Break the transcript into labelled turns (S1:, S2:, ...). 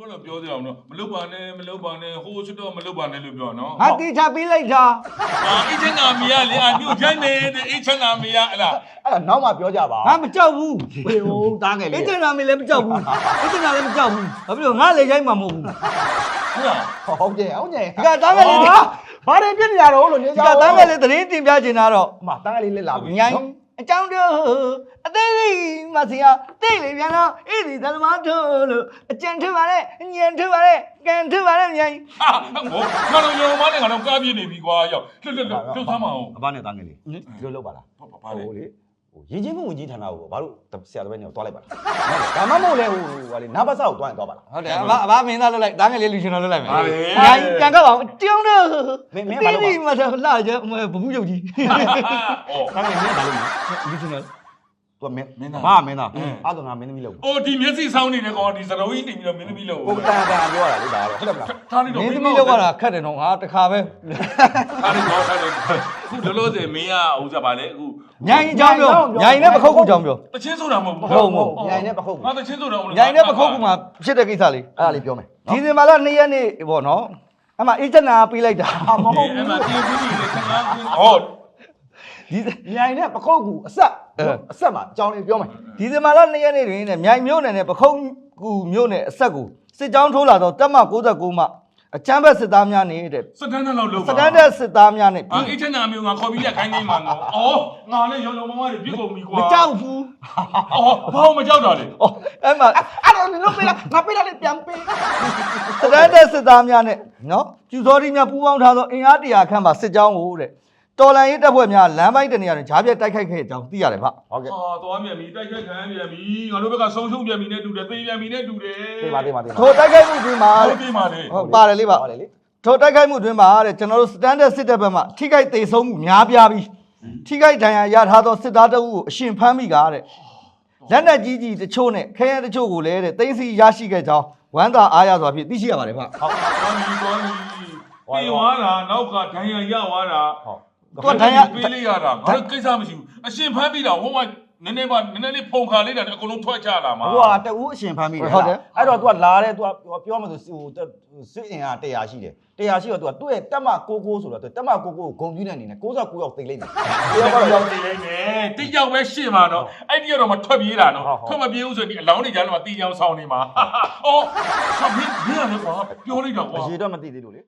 S1: တော့ပြောကြအောင်နော်မလုပ်ပါနဲ့ဟိုးချတော့မလုပ်ပါနဲ့လို့ပြောနော်
S2: ဟာတီချပေးလိုက်တာ
S1: အေးချမ်းသာမရလေအမျိုးချိုင်းနေတဲ့အေးချမ်းသာမရအလား
S3: အဲ့ဒါနောက်မှပြောကြပါ
S2: ငါမကြောက်ဘူး
S3: ဘယ်ဟိုတားငယ်
S2: အေး
S3: လေး
S2: တင်နာမင်းလည်းမကြောက်ဘူးအေးတင်နာလည်းမကြောက်ဘူးဘာဖြစ်လို့ငါလေချိုင်းမှာမဟုတ်ဘူး
S3: ဟုတ်ကဲ့ဟုတ်ကဲ့
S2: ဒီကတန်းကလေး
S3: ဘာတွေပြစ်နေရတော့လို့နေ
S2: ဒီ
S3: ကြ
S2: ကတန်းကလေးသတင်းတင်ပြချင်တာတော့
S3: အမတန်းကလေးလက်လာပြီ
S2: ညိုင်းအကြောင်းတို့အသေးလေးမစီယာတိတ်လေပြန်တော့အေးဒီသလမတို့လို့အကြံထပါနဲ့ညံထပါနဲ့ကန်ထပါနဲ့ညိုင်း
S1: ဟာဟိုငါတို့ရုံမနဲ့ငါတို့ကားပြေးနေပြီကွာရောက်လှလှလှဆမ်းမအောင်
S3: အဘနဲ့တန်းကလေးဒီလိုလုပ်ပါလား
S1: ဘာလဲ
S3: ဟိုလေဟိုရင်ချင်းမှုဝင်ကြီးဌာနကိုဘာလို့ဆရာတပည့်နေကိုတွားလိုက်ပါလားဒါမှမဟုတ်လေဟိုဟာလေနာဘဆာကိုတွားရင်တွားပါလား
S2: ဟုတ်တယ်အဘမင်းသားလွတ်လိုက်တန်းကလေးလူရှင်တော်လွတ်လိုက်မယ်ညိုင်းကန်ကောက်အောင်ကြောင်းတို့တိတ်တိတ်မဆိုလာကြဘဘူးရုပ်ကြီး
S1: အော်
S3: တန်းကလေးမင်းဘာလုပ်လဲ
S2: လူရှင်တော်
S3: သူကမင်း
S1: မင်းသား
S3: ဘာမင်းသားအဲ့တော့ငါမင်းသမီးလုပ်
S1: အိုးဒီမျက်စိဆောင်းနေတဲ့ကောင်ဒီစတော်ကြီးနေပြီးတော့မင်းသမီးလို့
S3: ကိုတန်ပြောရတာလေဒါတော့ဟုတ်တယ်မလား
S1: ထားလိုက်တော့
S2: မင်းသမီးလောက်ရတာခက်တယ်နော်ငါတခါပဲ
S1: ထားလိုက်တော့ထားလိုက်ခုလောလောဆယ်မင်းကဥစ္စာပါလေအခု
S2: ညိုင်းအကြောင်းပြောညိုင်းနဲ့ပခုတ်ကူအကြောင်းပြော
S1: တချင်းဆိုတာမဟုတ်
S3: ဟုတ်ညိုင်နဲ့ပခုတ်
S1: ငါတချင်းဆိုတာမဟုတ်
S2: ညိုင်းနဲ့ပခုတ်ကူမှာဖြစ်တဲ့ကိစ္စလေး
S3: အဲ့ဒါလေးပြောမယ်
S2: ဒီစင်မာလာ2ရက်နေ့ပေါ့နော်အမှအေးချနာပေးလိုက်တာ
S3: မဟုတ်ဘူး
S1: အဲ့မှာပြေးပြီးနေခဏဟော
S2: ဒီ
S3: ညိုင်နဲ့ပခုတ်ကူအဆက်မှာအကြောင်းလေးပြောမယ်
S2: ဒီစင်မာလာ2ရက်နေ့တွင်တဲ့မြိုင်မြို့နယ်နဲ့ပခုတ်ကူမြို့နယ်အဆက်ကိုစစ်ကြောင်းထိုးလာတော့တပ်မ69မှအချမ်းဘက်စစ်သားများနေတဲ့
S1: စတန်ဒတ်လောက်လုပ်
S2: စတန်ဒတ်စစ်သားများနဲ့
S1: အာအေးချမ်းသာမျိုးငါခေါ်ပြီးလက်ခိုင်းနေမှာငါအော်ငါလည်းရုံရုံမမတွေပြစ်ကုန်ပြီကွာ
S2: မကြောက်ဘူး
S1: အော်ဘာမကြောက်တာလဲ
S2: ဩအဲ့မှာ
S3: အဲ့တော့နင်တို့ပေးလားငါပေးတာလေးပြန်ပေး
S2: စတန်ဒတ်စစ်သားများနဲ့နော်ကျူစောတိများပူးပေါင်းထားသောအင်အား100ခန့်ပါစစ်ကြောင်းကိုတဲ့တော်လန်ရေးတပ်ဖွဲ့များလမ်းပိုင်းတနေရာတွင်ဂျားပြက်တိုက်ခိုက်ခဲ့ကြောင်းသိရတယ်ဗျ
S3: ဟုတ်ကဲ့
S1: ဟာသွားမြန်ပြီတိုက်ခိုက်ခံပြန်ပြီငါတို့ဘက်ကဆုံးရှုံးပြန်ပြီနဲ့တူတယ်သေပြန်ပြီနဲ့တူတယ်
S3: ပေးပါ
S2: ထိုတိုက်ခိုက်မှုတွင်မှာ
S1: ဟုတ်ပြီပါလေ
S2: ဟုတ်ပါတယ်လေးပါ
S3: ဟုတ်တယ်လေ
S2: ထိုတိုက်ခိုက်မှုတွင်မှာတဲ့ကျွန်တော်တို့စတန်ဒတ်စစ်တပ်ဘက်မှထိခိုက်သေးဆုံးမှုများပြားပြီးထိခိုက်ဒဏ်ရာရထားသောစစ်သားတအုပ်ကိုအရှင်ဖမ်းမိကားတဲ့လက်နက်ကြီးတချို့နဲ့ခဲယမ်းတချို့ကိုလည်းတဲ့သိမ်းဆည်းရရှိခဲ့ကြောင်းဝမ်းသာအားရစွာဖြင့်သိရှိရပါတယ်ဗျ
S1: ဟုတ်သွားပြီပြေးသွားတာနောက်ကဒဏ်ရာရသွားတာ
S3: ဟုတ်
S2: သူကဒဏ်ရာ
S1: ပေးလိုက်ရတာငါတို့ကိစ္စမရှိဘူးအရှင်ဖမ်းပြီးတာဟိုကနည်းနည်းလေးဖုန်ခါလိုက်တာအကုန်လုံးထွက်ချလာမှာ
S3: ဟိုကတူးအရှင်ဖမ်းမိတယ်အဲ့တော့ तू ကလာတယ် तू ပြောမှဆိုဟိုစစ်အင်အား100ရှိတယ်100ရှိတော့ तू ကသူ့ရဲ့တက်မ99ဆိုတော့တက်မ99ကိုဂုံပြူးတဲ့အနေနဲ့69ယောက်သိလိုက်တယ်
S1: တရားကတော့ရောက်နေလိမ့်မယ်တိကျပဲရှင်းမှာနော်အဲ့ဒီကတော့မထွက်ပြေးတာနော်ထွက်မပြေးဘူးဆိုရင်ဒီအလောင်းတွေကြားထဲမှာတီးချောင်းဆောင်နေမှာအော်ဟာဘင်းရတယ်ကွာပြောလိုက်တော့ကွာ
S3: အရေတော့မသိသေးလို့လေ